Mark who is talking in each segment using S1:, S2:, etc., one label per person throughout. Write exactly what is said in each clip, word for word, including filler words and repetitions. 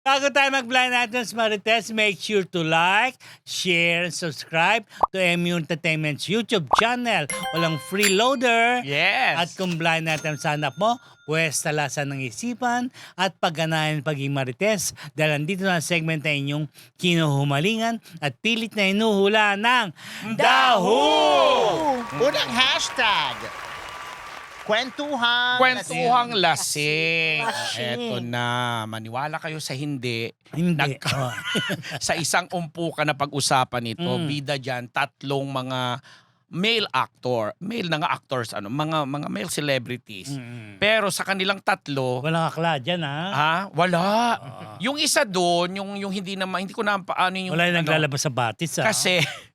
S1: Bago tayo mag-blind items, Marites, make sure to like, share, and subscribe to M U Entertainment's YouTube channel. Walang freeloader.
S2: Yes.
S1: At kung blind items hanap mo, pwes talasan ng isipan at pagganahan paging Marites. Dahil andito na ang segment na inyong kinuhumalingan at pilit na hinuhula ng Daho!
S3: Unang hashtag. Kwentuhang.
S2: Kwentuhang lasing.
S4: Lasing.
S2: Eto na. Maniwala kayo sa hindi.
S1: Hindi.
S2: Nag-
S1: Oh.
S2: sa isang umpukan na pag-usapan ito,
S1: Mm.
S2: bida dyan, tatlong mga male actor, male na nga actors, ano, mga mga male celebrities.
S1: Mm.
S2: Pero sa kanilang tatlo,
S1: Walang akla dyan, ha?
S2: ha, wala.
S1: Ah.
S2: Yung isa doon, yung yung hindi naman hindi ko na paano yung
S1: Wala yung
S2: ano,
S1: naglalabas sa batis, ha?
S2: kasi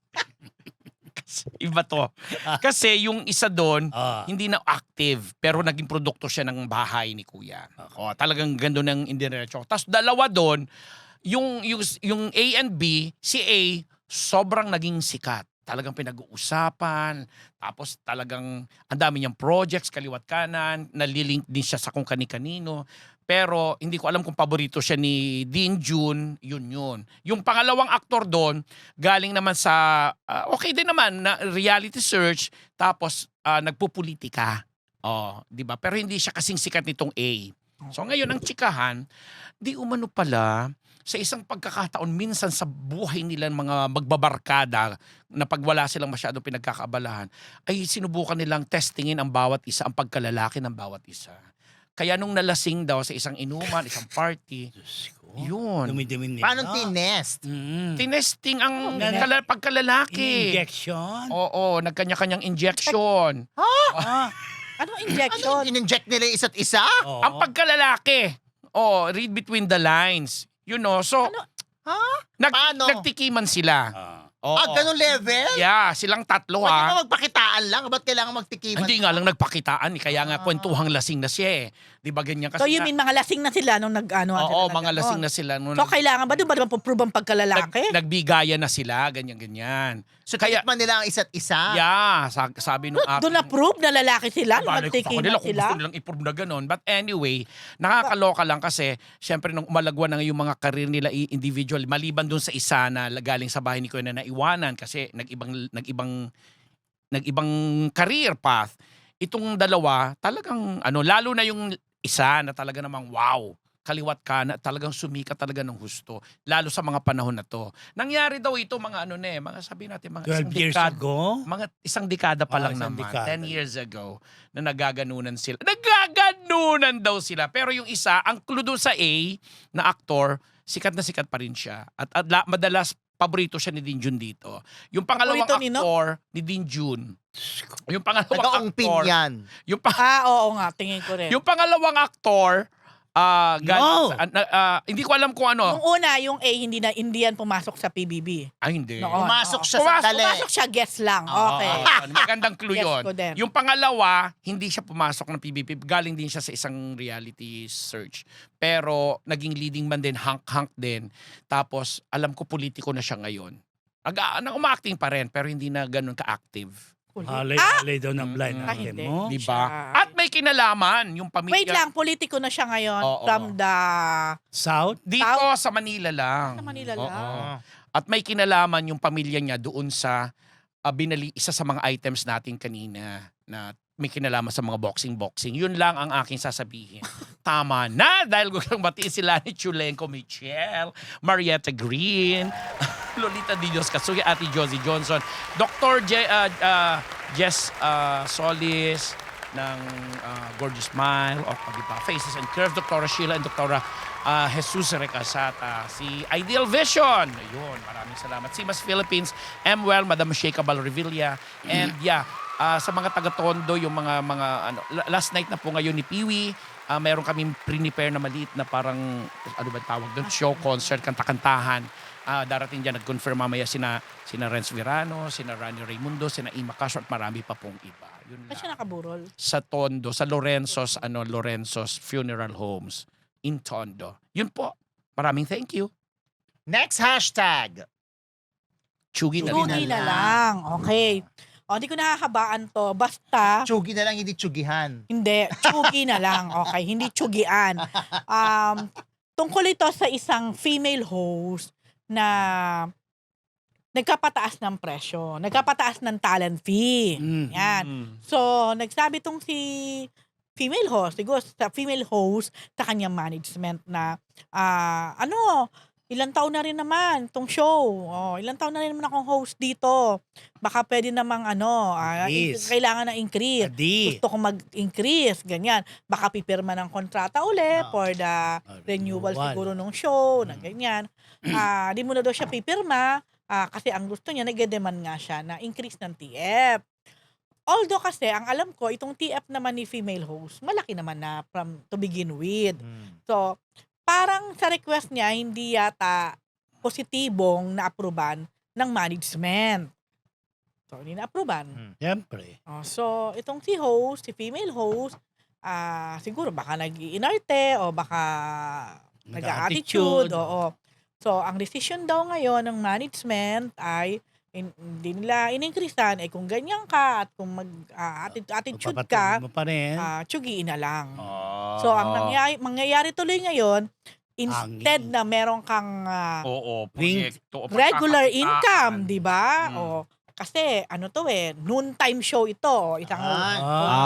S2: kasi iba to. Kasi yung isa doon,
S1: Ah.
S2: hindi na active pero naging produkto siya ng bahay ni Kuya. O, talagang gando ng indiretso. Tapos dalawa doon, yung, yung yung A and B, si A sobrang naging sikat. Talagang pinag-uusapan, tapos talagang ang dami niyang projects kaliwat kanan, nalilink din siya sa kung kani-kanino. Pero hindi ko alam kung paborito siya ni Dean June, yun yun. Yung pangalawang aktor doon, galing naman sa, ah, okay din naman, na reality search, tapos ah, nagpupulitika. Oh, di ba? Pero hindi siya kasing sikat nitong A. So ngayon, ang tsikahan, di umano pala, sa isang pagkakataon, minsan sa buhay nila mga magbabarkada na pag wala silang masyadong pinagkakaabalahan, ay sinubukan nilang testingin ang bawat isa, ang pagkalalaki ng bawat isa. Kaya nung nalasing daw sa isang inuman, isang party,
S1: Diyos ko.
S2: yun.
S1: Dumi-dumi nila.
S3: Paano tinest?
S1: Mm.
S2: Tinesting ang
S1: Ganun.
S2: kala- pagkalalaki.
S1: Injection?
S2: Oo, nagkanya-kanyang injection.
S1: Ah.
S4: Ano
S3: Ano,
S4: injection?
S3: in-inject nila yung isa't isa?
S1: Oo.
S2: Ang pagkalalaki. Oh, read between the lines. You know, so,
S4: Ano?
S3: Ha?
S2: nag,
S3: Paano?
S2: nagtikiman sila.
S1: Ah.
S2: Oo.
S3: Ah, ganun level?
S2: Yeah, silang tatlo
S3: Pwede
S2: ha.
S3: ba magpakitaan lang? Ba't kailangan magtikiman?
S2: Hindi nga lang nagpakitaan eh. Kaya nga
S3: Ah.
S2: kwentuhang lasing na siya eh. Di ba ganyan kasi
S4: So you
S2: nga-
S4: mean mga lasing na sila nung nag-ano?
S2: Oo, mga lasing na sila. Nung
S4: So kailangan ba doon ba naman puprove ang pagkalalaki?
S2: nag, nagbigaya na sila, ganyan-ganyan. So kaya,
S3: Tikman nila ang isa't isa?
S2: yeah, sa- sabi nung ating...
S4: Doon na-prove na lalaki sila nung
S2: Balay ko sa
S4: nagtikiman
S2: kanila kung
S4: sila?
S2: gusto nilang i-prove na ganun. But anyway, nakakaloka lang kasi syempre nung umalagwa na yung mga karir nila i- individual, maliban dun sa isa na galing sa bahay ni Kuya na naiwanan kasi nag-ibang nag-ibang nag-ibang career path. Itong dalawa, talagang ano, lalo na yung isa na talaga namang wow, kaliwat ka na talagang sumikat talaga ng husto. Lalo sa mga panahon na to. Nangyari daw ito mga ano na eh, mga sabi natin mga
S1: twelve
S2: isang
S1: years
S2: dekada.
S1: ago?
S2: Mga isang dekada pa
S1: Ah,
S2: lang
S1: isang
S2: naman.
S1: dekada.
S2: ten years ago na nagaganunan sila. Nagaganunan daw sila. Pero yung isa, ang clue doon sa A na aktor, sikat na sikat pa rin siya. At, at la- madalas paborito siya ni Dean Jun dito. Yung pangalawang
S4: Paborito nino?
S2: aktor ni Dean Jun. Yung pangalawang
S3: Nag-aungpin
S2: aktor.
S3: yan.
S2: Yung, pa-
S4: Ah, oo nga, tingin ko rin.
S2: yung pangalawang aktor, ah, galing
S1: No.
S2: sa- ah, ah, hindi ko alam kung ano.
S4: Yung una, yung A, hindi na hindi yan pumasok sa P B B.
S2: Ay, hindi.
S4: Oo.
S3: Pumasok
S4: oo.
S3: siya
S2: Pumasok-
S3: sa dali.
S4: Pumasok siya, guess lang.
S2: Oo,
S4: Okay.
S2: oo, oo. Magandang clue
S4: Yes
S2: yun.
S4: ko din.
S2: Yung pangalawa, hindi siya pumasok ng P B B. Galing din siya sa isang reality search. Pero naging leading man din, hunk-hunk din. Tapos alam ko politiko na siya ngayon. Ag na uma-acting pa rin, pero hindi na ganun ka-active.
S1: Halay-halay daw ng blind
S2: Mm.
S4: Ah,
S1: item
S4: hindi.
S1: mo.
S2: Di ba?
S4: Siya-
S2: At may kinalaman yung pamilya.
S4: Wait lang, politiko na siya ngayon
S2: Oo.
S4: from the...
S1: South?
S2: Dito
S4: Tao-
S2: sa Manila lang.
S4: Sa Manila
S2: Oo.
S4: lang.
S2: At may kinalaman yung pamilya niya doon sa ah, binali isa sa mga items natin kanina na may kinalaman sa mga boxing-boxing. Yun lang ang aking sasabihin. Tama na dahil gusto kong batiin sila ni Chulenko Michelle, Marietta Green, Lolita Di Dios Kasugi, Ate Josie Johnson, Doctor Je, ah, ah, Jess ah, Solis ng ah, Gorgeous Smile, o di ba, Faces and Curves, Doctora Sheila and Doctora ah, Jesus Recasata, si Ideal Vision, ayun, maraming salamat. Simas Philippines, M-Well, Madam Sheikha Balrevilla, and yeah, ah, sa mga taga-Tondo, yung mga, mga ano, la- last night na po ngayon ni Piwi, ah, meron kaming prepare na maliit na parang, ano ba tawag doon, show, concert, kanta-kantahan. Ah, darating dyan, nag-confirm mamaya sina, sina Renz Virano, sina Rani Raimundo, sina Ima Castro, at marami pa pong iba. Yun
S4: Ba't
S2: lang.
S4: siya nakaburol?
S2: Sa Tondo, sa Lorenzo's, ano, Lorenzo's Funeral Homes in Tondo. Yun po. Maraming thank you.
S3: Next hashtag.
S2: Chugi na
S3: Chugi
S2: rin.
S4: Chugi na lang. Okay. O, hindi ko nakakabaan to. Basta,
S3: Chugi na lang, hindi chugihan.
S4: hindi. Chugi na lang. Okay. Hindi chugian. Um, tungkol ito sa isang female host na nagkapataas ng presyo, nagkapataas ng talent fee.
S1: Mm.
S4: Yan.
S2: Mm.
S4: So, nagsabi tong si female host, siguro sa female host sa kanyang management na ah ano, ilang taon na rin naman tong show. Oh, ilang taon na rin naman akong host dito. Baka pwede namang ano, ah,
S1: Increase.
S4: kailangan ng increase.
S1: Adi.
S4: Gusto ko mag-increase, ganyan. Baka pipirma ng kontrata uli
S3: Ah.
S4: for the
S1: Ah,
S4: renewal
S1: renewal.
S4: siguro ng show, na
S1: Mm.
S4: ganyan. Ah, di mo na daw siya pipirma ah, kasi ang gusto niya, nag-demand nga siya na increase ng T F. Although kasi, ang alam ko, itong T F naman ni female host, malaki naman na from to begin with.
S3: Mm.
S4: So, parang sa request niya, hindi yata positibong na-aproban ng management. So, hindi na-aproban.
S3: Mm.
S1: Siyempre.
S4: Oh, so, itong si host, si female host, ah siguro baka nag-iinarte o baka nag-attitude. Oo. So, ang decision daw ngayon ng management ay in, hindi nila in-increasean. Eh kung ganyan ka at kung mag-attitude ka,
S1: Magpapatuloy mo pa rin.
S4: ah tsugiin na lang.
S2: Ah.
S4: So, ang nangyayari, mangyayari tuloy ngayon, instead
S1: Hangin.
S4: na meron kang ah,
S2: Oo,
S1: Wing-
S2: proyekto. o
S4: regular
S2: pagkakakitaan.
S4: income, di ba?
S2: Mm.
S4: O, kasi ano to eh, noontime show ito. Isang
S3: Ay.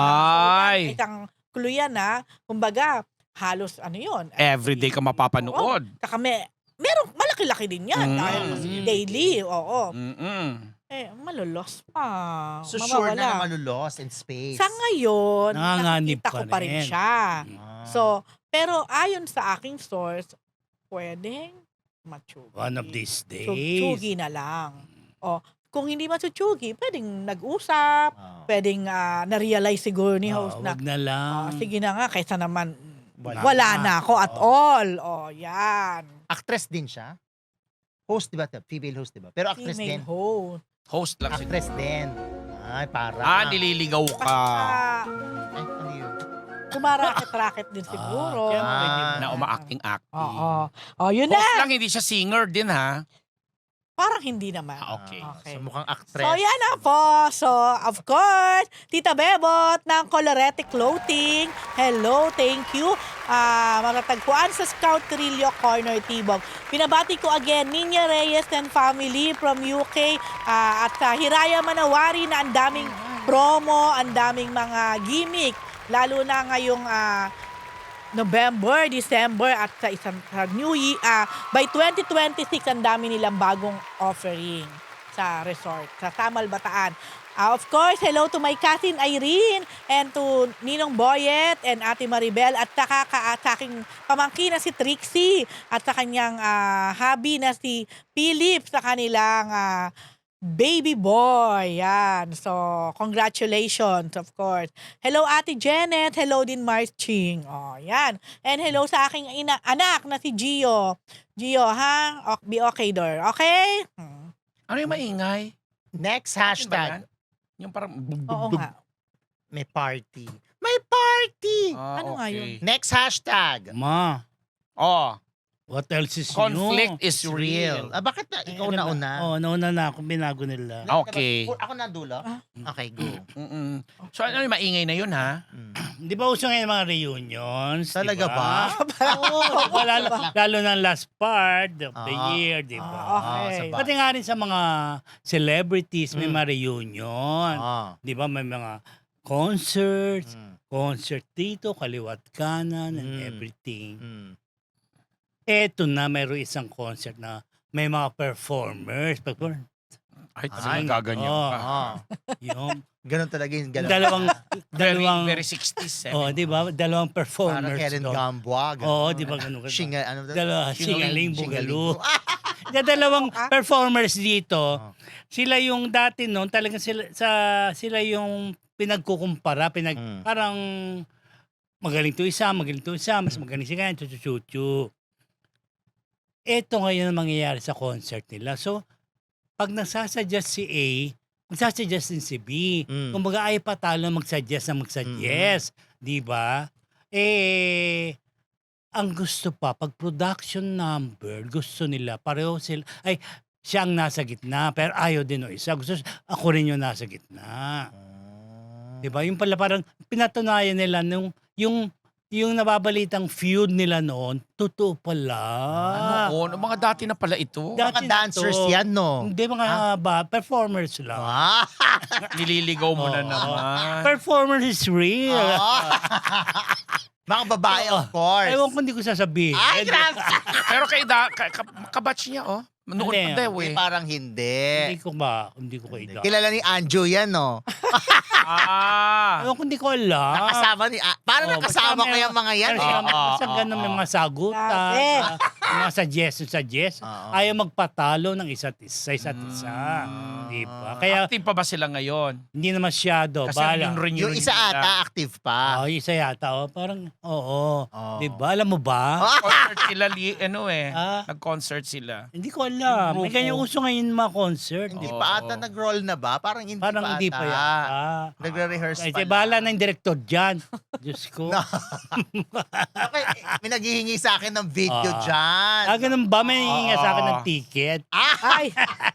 S2: Ay.
S4: Isang kuluyan na, kumbaga, halos ano yun.
S2: Everyday ka mapapanood.
S4: Saka may, merong malaki-laki din yan.
S2: Mm.
S4: Dahil
S1: Mm.
S4: daily, oo.
S2: Mm-mm.
S4: Eh, malulos pa.
S3: So sure na na
S4: Mawawala.
S3: malulos in space.
S4: Sa ngayon,
S1: Nanganganib
S4: nakikita
S1: pa
S4: ko pa rin
S1: rin.
S4: siya.
S3: Ah.
S4: So, pero ayon sa aking source, pwedeng matsugi.
S1: One of these days.
S4: Tsugi na lang. O, kung hindi matsugi, pwedeng nag-usap,
S3: Ah.
S4: pwedeng ah, na-realize siguro ni
S1: Oh,
S4: host na,
S1: wag na lang.
S4: "Ah, sige na nga, kaysa naman
S1: Wala
S4: wala,
S1: na."
S4: na ako at
S1: Oo.
S4: all. O, yan.
S3: Actress din siya? Host, di ba? Female host, di ba? Pero actress din.
S4: Female host.
S2: Host lang siguro.
S3: Actress din. Ay, para.
S2: Ah, nililigaw ka.
S4: Basta,
S3: Ay, ano yun?
S4: kumaraket-raket din siguro.
S1: Ah, siyempre, di ba?
S2: Na umaacting-acting.
S4: Oo. O, yun
S2: Host
S4: na.
S2: lang, hindi siya singer din ha.
S4: Parang hindi naman.
S2: Ah, okay.
S4: Okay.
S3: So mukhang actress.
S4: So, yan na po. So, of course, Tita Bebot ng Colorete Clothing. Hello, thank you. Ah, matatagpuan sa Scout Trillo Corner, Tibog. Pinabati ko again, Ninya Reyes and family from U K. Ah, at sa Hiraya Manawari na ang daming promo, ang daming mga gimmick. Lalo na ngayong ah, November, December at sa isang sa New Year, ah, by twenty twenty-six ang dami nilang bagong offering sa resort, sa Tamal Bataan. Ah, of course, hello to my cousin Irene and to Ninong Boyet and Ate Maribel at saka ka, sa aking pamangkin na si Trixie at sa kanyang ah, hubby na si Philip sa kanilang ah, baby boy. Yan. So, congratulations, of course. Hello, Ate Janet. Hello din, Marching. Oh, yan. And hello sa aking ina- anak na si Gio. Gio, ha? O- be okay, door. Okay? Hmm.
S2: Ano yung maingay?
S3: Next
S2: Ano ba yan?
S3: hashtag.
S2: Yung parang...
S4: Oo nga.
S3: May party. May party!
S2: Ah,
S4: Ano nga
S2: okay.
S4: yun?
S3: Next hashtag.
S1: Ma,
S2: Oh,
S1: what else is
S2: conflict
S1: new?
S2: is real.
S3: Ah, bakit na?
S1: Eh,
S3: Ikaw
S1: ano
S3: na
S1: ba?
S3: una.
S1: Oo, nauna na ako, binago nila.
S2: Ah, okay.
S3: Ako na dulo?
S4: Ah.
S3: Okay, go.
S2: Mm-mm. So ano yung maingay na yun ha?
S3: Mm.
S1: Di ba uso ngayon mga reunions?
S3: Talaga
S1: di
S3: ba?
S1: Oo, di ba? lalo, lalo na last part of the
S3: Ah.
S1: year, di ba?
S4: Ah, okay.
S3: sa ba-
S1: Pati nga rin sa mga celebrities, may
S3: Mm.
S1: mga reunion.
S3: Ah.
S1: Di ba? May mga concerts,
S3: Mm.
S1: concert dito, kaliwat kanan, and
S3: Mm.
S1: everything.
S3: Mm.
S1: Eto na, mayroon isang concert na may mga performers. Perform-
S2: Ay,
S3: Ay,
S2: talagang gaganyan
S1: oo.
S2: ka.
S3: Ah.
S1: Yung
S3: Ganun talaga yung ganun.
S1: dalawang,
S2: Very,
S1: dalawang,
S2: very sixties.
S1: oh, di ba? Dalawang
S3: Parang
S1: performers.
S3: Karen
S1: doon.
S3: Gamboa. ganun.
S1: Oo, di ba ganun ka?
S3: Shinga, ano ba?
S1: Dalawa,
S3: Shingaling,
S1: Singaling Bugalo.
S3: Shingaling. Ah!
S1: Na dalawang
S4: Ah.
S1: performers dito,
S3: Ah.
S1: sila yung dati noon, talagang sila, sa, sila yung pinagkukumpara, pinag,
S3: Mm.
S1: parang magaling to isa, magaling to isa, mas
S3: Mm.
S1: magaling si kanya, chuchu Ito ngayon ang mangyayari sa concert nila. So, pag nagsasuggest si A, magsasuggest din si B.
S3: Mm.
S1: Kumbaga ay patalo magsuggest na magsuggest. Di ba? Eh, ang gusto pa, pag production number, gusto nila, pareho sila, ay, siya ang nasa gitna, pero ayaw din o isa. Gusto, ako rin yung nasa gitna.
S3: Ah.
S1: Di ba? Yung pala parang pinatunayan nila nung, yung yung nababalitang feud nila noon, totoo pala.
S2: Ano, oh, mga dati na pala ito.
S1: Dati
S3: Mga
S1: na
S3: dancers
S1: to.
S3: yan, no?
S1: Hindi, mga ba, performers lang.
S3: Ah.
S2: Nililigaw mo na
S1: Oo.
S2: naman.
S1: Performance is real.
S3: Oo. Mga babae, of course.
S1: Ewan ko, hindi ko sasabihin.
S3: Ay, grabe.
S2: Pero kay da, ka, ka, kabatch niya, oh. Noon
S1: Hindi.
S2: pa daw
S3: Hindi,
S2: eh.
S3: parang hindi.
S1: Hindi ko ba, hindi ko kaida.
S3: Kilala ni Anjo yan, no?
S2: Ah.
S1: Ewan ko, hindi ko alam.
S3: Nakasama ni... Ah, parang
S1: Oh,
S3: nakasama
S1: basta
S3: ko
S1: may-
S3: yung mga yan,
S1: Kasi
S3: eh.
S2: Oo,
S1: basta
S2: oo,
S1: ganun may
S2: oo.
S1: mga sagutan,
S4: Grabe.
S1: ah, mga suggestion, suggestion.
S3: Oo.
S1: Ayaw magpatalo ng isa't isa, sa isa't isa.
S2: Mm.
S1: Di ba? Kaya
S2: Active pa ba sila ngayon?
S1: hindi na masyado.
S2: Kasi
S1: Bala.
S2: yung renew
S3: Yung isa ata, active pa.
S1: Oh, yung isa yata. Oh, parang, oo.
S3: Oo.
S1: Di ba? Alam mo ba?
S2: Concert sila, li, ano eh.
S1: Ah.
S2: Nag-concert sila.
S1: Hindi ko alam.
S2: Yung
S1: May ganyan
S2: grupo.
S1: uso ngayon mga concert.
S3: Hindi
S2: Oo.
S3: pa ata nag-roll na ba? Parang hindi
S1: Parang
S3: pa
S1: hindi
S3: ata.
S1: pa yata.
S3: Nagre-rehearse
S1: Ay,
S3: pa
S1: bahala na yung director dyan. Diyos ko.
S3: No. Okay, may naghihingi sa akin ng video
S1: Ah.
S3: dyan.
S1: Ah, ganun ba? May hihinga sa akin ng
S2: Oo.
S1: ticket.
S4: Ay,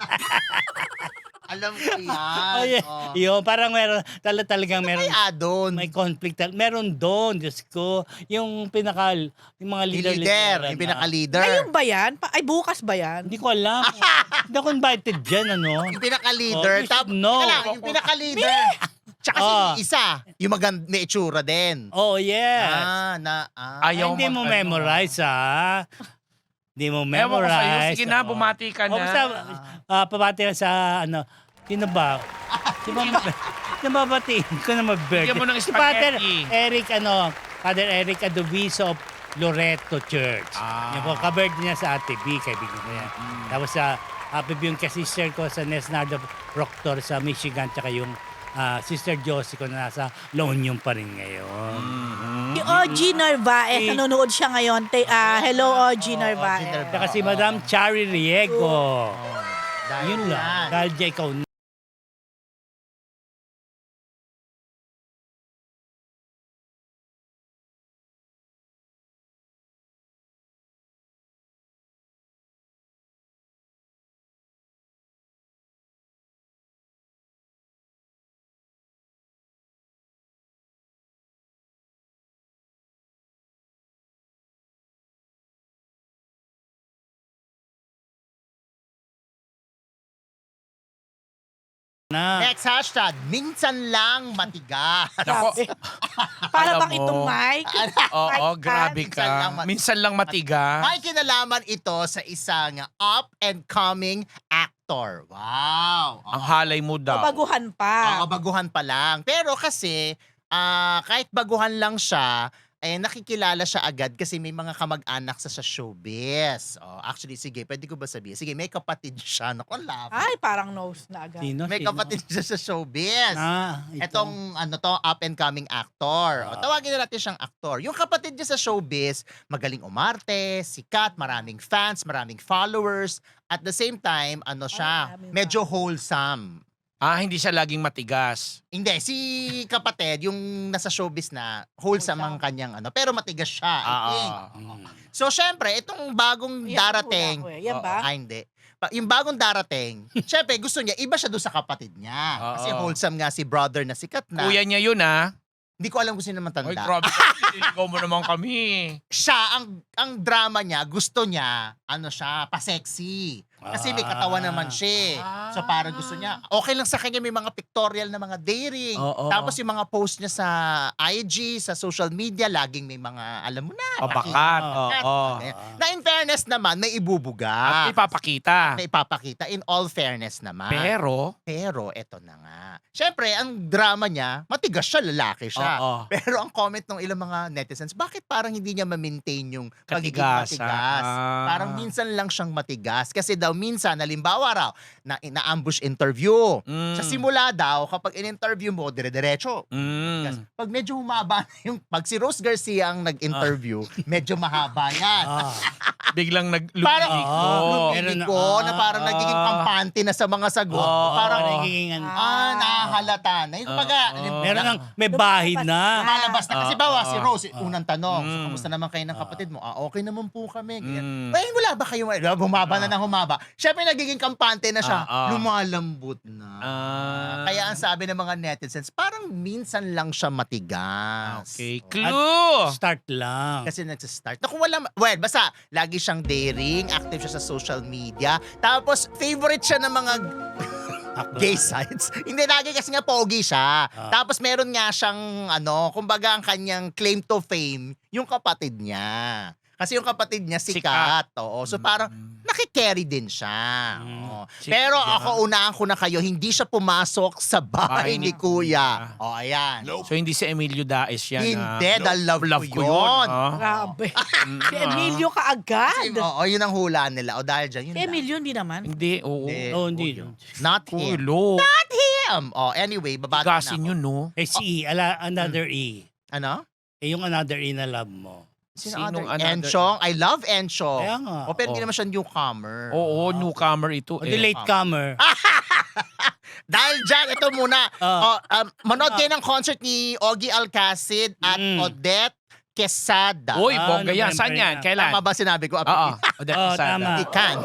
S3: Alam ko yan.
S1: Oh, yeah.
S3: Oh.
S1: Yun, parang meron, tala talagang meron,
S3: May adon.
S1: may conflict. tal- Meron doon, Diyos ko. Yung pinaka, yung mga
S3: Yung
S1: leader.
S3: leader, yung pinaka-leader.
S4: ngayon ba yan? Pa- Ay, bukas ba yan?
S1: Hindi ko alam. Hindi ako invited dyan, ano?
S3: Yung pinaka-leader.
S1: Oh, you
S3: Tap,
S1: should know.
S3: Teka lang, yung pinaka-leader. Tsaka si
S1: Ah.
S3: isa, yung maganda, may itsura din.
S1: Oh, yes.
S3: Ah, na, ah.
S1: Ay,
S2: Ayaw
S1: hindi mo
S2: mag- ano.
S1: memorize, ha? Hindi mo
S2: Ewan ko sa'yo.
S1: memorize.
S2: Sige na,
S1: Oo.
S2: bumati ka
S1: O,
S2: na.
S1: basta, ah, pabati ka sa, ano, sino ba? Sino ba? Nababatiin ko na mag-birthday.
S2: Bigyan mo ng
S1: Si Father
S2: spaghetti.
S1: Eric, ano, Father Eric Adoviso of Loreto Church.
S2: Ah.
S1: Yan po, ka-birthday niya sa Ate B, kaibigan ko yan. Tapos sa happy yung ka-sister ko sa Nesnardo Proctor sa Michigan, tsaka yung ah, sister Josie ko na nasa La Union pa rin ngayon.
S2: Mm-hmm.
S4: Si O G Narvaez,
S1: Si-
S4: nanonood siya ngayon. Te, ah, hello, O G
S3: Oh,
S4: Narvaez.
S3: O G Narvaez.
S1: Tsaka si Madam Chari Riego.
S3: Oh, dahil
S1: Yun lang.
S3: yan.
S1: Dahil dyan ikaw na.
S3: Next hashtag, minsan lang matigas.
S2: Nako.
S4: Para
S2: Alam
S4: bang
S2: mo.
S4: itong mic?
S2: Oo,
S4: Mic
S2: grabe
S3: Minsan lang
S2: ka.
S3: mat-
S2: Minsan lang matigas.
S3: May kinalaman ito sa isang up and coming actor. Wow.
S2: Ang halay mo daw.
S4: Baguhan pa.
S3: Oo, baguhan pa lang. Pero kasi, ah, kahit baguhan lang siya, eh, nakikilala siya agad kasi may mga kamag-anak sa sa showbiz. Oh, actually, sige, pwede ko ba sabihin? Sige, may kapatid siya. Naku, ang love.
S4: Ay, parang nose na agad.
S1: Sino?
S3: May
S1: Sino?
S3: kapatid siya sa showbiz.
S1: Ah, ito.
S3: Etong ano to, up and coming actor.
S1: Ah.
S3: O, tawagin na natin siyang actor. Yung kapatid niya sa showbiz, magaling umarte, sikat, maraming fans, maraming followers. At the same time, ano siya,
S4: maraming
S3: medyo wholesome.
S2: Ah, hindi siya laging matigas.
S3: Hindi, si kapatid, yung nasa showbiz na, wholesome ang kanyang ano, pero matigas siya, I
S2: Ah,
S3: think.
S2: ah.
S1: Mm.
S3: So, syempre, itong bagong
S4: Yan,
S3: darating,
S4: hula ko eh. Yan ba?
S3: ah, hindi. Pa- Yung bagong darating, syempre, gusto niya, iba siya doon sa kapatid niya. Kasi
S2: Oo.
S3: wholesome nga si brother na sikat na.
S2: Kuya niya yun, ah.
S3: Hindi ko alam kung sino naman
S2: Ay,
S3: tanda.
S2: grabe. Nililigaw mo naman kami.
S3: Siya, ang ang drama niya, gusto niya, ano siya, pa-sexy. Kasi may katawan naman siya. eh. So parang gusto niya, okay lang sa kanya may mga pictorial na mga daring.
S2: Oo.
S3: Tapos yung mga post niya sa I G, sa social media, laging may mga, alam mo na,
S2: Pabakat.
S3: pakikat.
S2: Oo.
S3: Na in fairness naman, may
S2: At
S3: ibubuga.
S2: ipapakita.
S3: Na ipapakita. In all fairness naman.
S2: Pero,
S3: Pero, eto na nga. Siyempre, ang drama niya, matigas siya, lalaki siya.
S2: oo.
S3: Pero ang comment ng ilang mga netizens, bakit parang hindi niya ma-maintain yung pagiging
S2: Katigasan.
S3: matigas?
S2: Ah.
S3: Parang minsan lang siyang matigas. Kasi daw minsan, halimbawa raw, na, na-ambush interview.
S2: Mm.
S3: Sa simula daw, kapag in-interview mo, dire-diretso.
S2: Mm.
S3: Pag medyo humaba na yung, pag si Rose Garcia ang nag-interview, medyo mahaba yan.
S1: Ah.
S2: Biglang
S3: Parang,
S2: naglumiko.
S1: Meron na-
S3: ko na parang
S2: ah.
S3: nagiging kampante na sa mga sagot.
S2: Oo.
S3: parang,
S1: Parang nagiging ano.
S3: ah, nahahalata na. Yung pagka,
S2: Oo.
S1: Meron ng may bahid na.
S3: Lumalabas na. Kasi
S2: Ah,
S3: bawa
S2: ah,
S3: si Rose,
S1: ah.
S3: unang tanong, so,
S2: Mm.
S3: kamusta naman kayo ng kapatid mo? Ah, okay naman po kami.
S2: Mm.
S3: Mm. Eh, wala ba kayo? Humaba na ng humaba. Siyempre, nagiging kampante na siya.
S2: Ah, ah.
S3: lumalambot na.
S2: Ah.
S3: Kaya ang sabi ng mga netizens, parang minsan lang siya matigas.
S2: Okay.
S3: Oh.
S2: Clue!
S1: Start lang.
S3: Kasi nagsistart. Naku, wala, ma- well, basta, lagi siyang daring, active siya sa social media. Tapos, favorite siya ng mga gay sites. Hindi, lagi kasi nga pogi siya.
S1: Ah.
S3: Tapos, meron nga siyang, ano, kumbaga ang kanyang claim to fame, yung kapatid niya. Kasi yung kapatid niya sikat.
S2: Sikat.
S3: Oo. So, parang, nakikerry din siya.
S1: Mm.
S3: Oo.
S2: Si-
S3: Pero
S2: yeah.
S3: ako, unahan ko na kayo, hindi siya pumasok sa bahay
S2: Bahay
S3: ni
S2: ni
S3: Kuya.
S2: Kuya.
S3: O, ayan.
S2: So hindi si Emilio Daes yan.
S3: Hindi,
S2: ah.
S3: dahil love,
S2: Love
S3: ko
S2: ko
S3: yun.
S2: yun. ah.
S4: Grabe.
S2: Mm,
S4: Si Emilio
S3: Kasi,
S4: kaagad.
S3: oo, yun ang hula nila. O, dahil dyan, yun
S4: Si
S3: lang.
S4: Emilio hindi naman.
S2: Hindi, oo.
S3: Hindi.
S1: Oh, hindi.
S3: Oo, yun. Not
S2: Uy,
S3: him.
S2: lo.
S3: Him! Oh, anyway, babati na
S2: Gasin
S3: ako.
S2: yun, no?
S1: Eh, si E, ala, another E.
S3: Ano?
S1: Eh, yung another E na love mo.
S3: Sino
S2: Sinong
S3: other?
S2: another-
S3: Enchong? I love Enchong.
S1: Kaya nga.
S3: O, pero hindi
S2: Oh.
S3: naman siya newcomer.
S2: Oo, newcomer ito.
S1: O,
S2: Eh.
S1: the latecomer.
S3: Dahil dyan, ito muna.
S1: Ah.
S3: Oh, um, manood kayo ng concert ni Ogie Alcacid at
S1: Mm.
S3: Odette Quesada.
S2: Uy,
S1: Ah,
S2: bongga yan.
S1: November
S2: Saan yan?
S1: na.
S2: Kailan?
S3: Tama ba sinabi ko?
S2: Oo. Odette
S1: Oo,
S2: Quesada.
S1: tama.
S3: Ikan.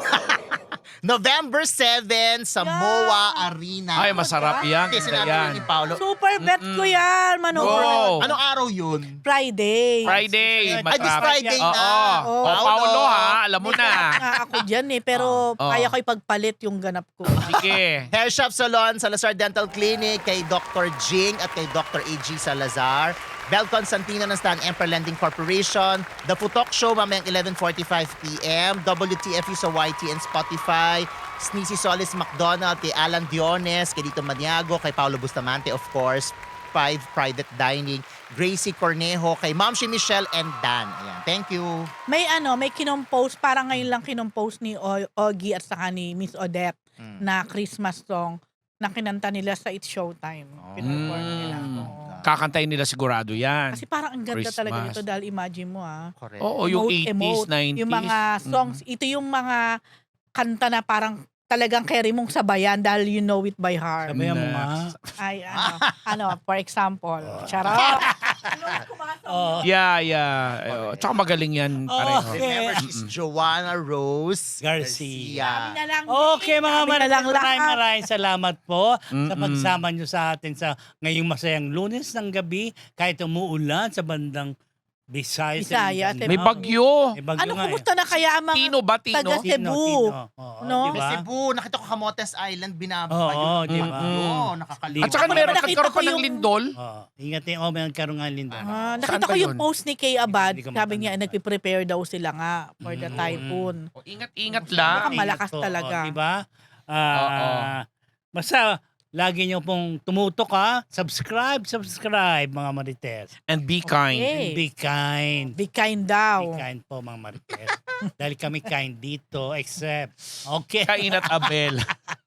S3: November seventh sa
S4: Yeah.
S3: M O A Arena.
S2: Ay, masarap yan.
S3: Hindi, sinabi
S2: yan.
S3: yun ni Paolo.
S4: Super bet
S2: Mm-mm.
S4: ko yan, Manood.
S2: Go!
S3: Anong araw yun?
S4: Friday.
S2: Friday.
S1: Ay,
S3: Ay, this
S2: matrap-
S3: Friday
S2: Oo.
S3: na.
S2: Oh,
S3: Paolo.
S2: Paolo ha, alam mo
S4: May
S2: na.
S4: ganap nga ako dyan eh, pero
S2: Oh.
S4: kaya ko ipagpalit yung ganap ko.
S2: Sige.
S3: Hair Shop Salon, Salazar Dental Clinic, kay Doctor Jing at kay Doctor A G Salazar. Bel Constantino ng Stan Emperor Lending Corporation. The Futok Show mamayang eleven forty-five p m W T F U sa Y T and Spotify. Sneezy Solis McDonald, kay Alan Diones, kay Dito Maniago, kay Paolo Bustamante, of course. Five Private Dining. Gracie Cornejo, kay Ma'am si Michelle and Dan. Ayan, thank you.
S4: May ano, may kinompost, parang ngayon lang kinompost ni o- Ogie at saka ni Miss Odette
S3: Mm.
S4: na Christmas song na kinanta nila sa It's Showtime. Pinuperform nila.
S2: Mm.
S4: Oo.
S2: Kakantayin nila sigurado yan.
S4: Kasi parang ang ganda
S2: Christmas.
S4: talaga nito dahil imagine mo ah.
S3: Correct.
S2: Oo, yung
S4: Emote,
S2: eighties,
S4: emote.
S2: nineties.
S4: Yung mga songs, ito yung mga kanta na parang talagang carry mong sabayan dahil you know it by heart.
S1: Sabayan mo
S2: Next.
S1: nga.
S4: Ay, ano, ano, for example, charot. Ano, kumasang
S1: Oh.
S2: Yeah, yeah. Tsaka magaling yan pareho.
S1: Okay.
S3: Remember, she's Joanna Rose
S1: Garcia.
S4: Kami na lang.
S1: Okay mga
S4: Kami na lang
S1: maraming maraming
S4: lahat.
S1: maraming salamat po sa
S2: Mm-mm.
S1: pagsama nyo sa atin sa ngayong masayang Lunes ng gabi kahit umuulan sa bandang Visayas.
S4: Visayas,
S1: and
S2: May
S1: Mindanao.
S2: bagyo.
S1: May bagyo
S4: Ano,
S1: nga eh.
S4: kumusta na kaya ang mga
S2: Tino ba, Tino?
S4: taga
S1: Tino,
S4: Cebu?
S1: Tino. Oo,
S4: No?
S1: diba?
S3: Sa Cebu, nakita ko Camotes Island, binabayo.
S1: Oo, di ba?
S3: Oo, nakakalimutan.
S2: At saka
S1: Ako
S2: meron
S4: naman nakita
S2: nagkaroon
S4: ko
S2: pa ng
S4: yung-
S2: lindol.
S1: Oo. Ingat yung oh, may nagkaroon nga Lindon.
S4: Ah,
S2: Saan
S4: nakita
S2: ba
S4: ko yung
S2: yun?
S4: post ni Kay Abad.
S1: Hindi ko
S4: Sabi niya,
S1: matandaan.
S4: nagpe-prepare daw sila nga for the
S1: Mm.
S4: typhoon.
S2: O, Ingat-ingat
S4: Baka
S2: lang.
S1: Ingat
S4: malakas
S1: po,
S4: talaga.
S1: oh, diba? Ah,
S2: Oo.
S1: basta, lagi nyo pong tumutok ha. Subscribe, subscribe mga Marites.
S2: And be kind.
S4: Okay.
S1: Be kind.
S4: Be kind daw.
S1: Be kind po mga Marites. Dahil kami kind dito, except. Okay.
S2: Kain at Abel.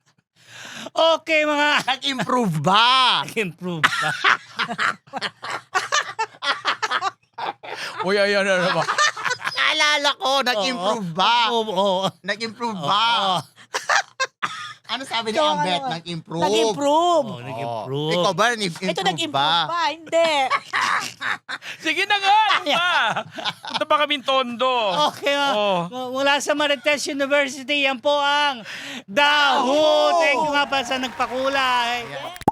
S1: Okay mga
S3: Nag-improve ba?
S1: improve pa.
S2: Uy, ayan na naman.
S3: Naalala ko, nag-improve ba?
S1: Oo. oo.
S3: Nag-improve
S1: Oo.
S3: ba? Ano sabi ni
S4: Ikaw,
S3: Ambet?
S4: ano?
S3: Nag-improve.
S4: Nag-improve.
S1: Oo, nag-improve.
S3: Ikaw ba, nag-improve
S4: Ito nag-improve
S3: ba?
S4: pa. Hindi.
S2: Sige na nga. ano ba? Punta pa kaming tondo.
S1: Okay nga.
S2: Oh.
S1: Mula sa Marites University, yan po ang Daho. Thank you nga pa sa nagpakulay.
S3: Yeah.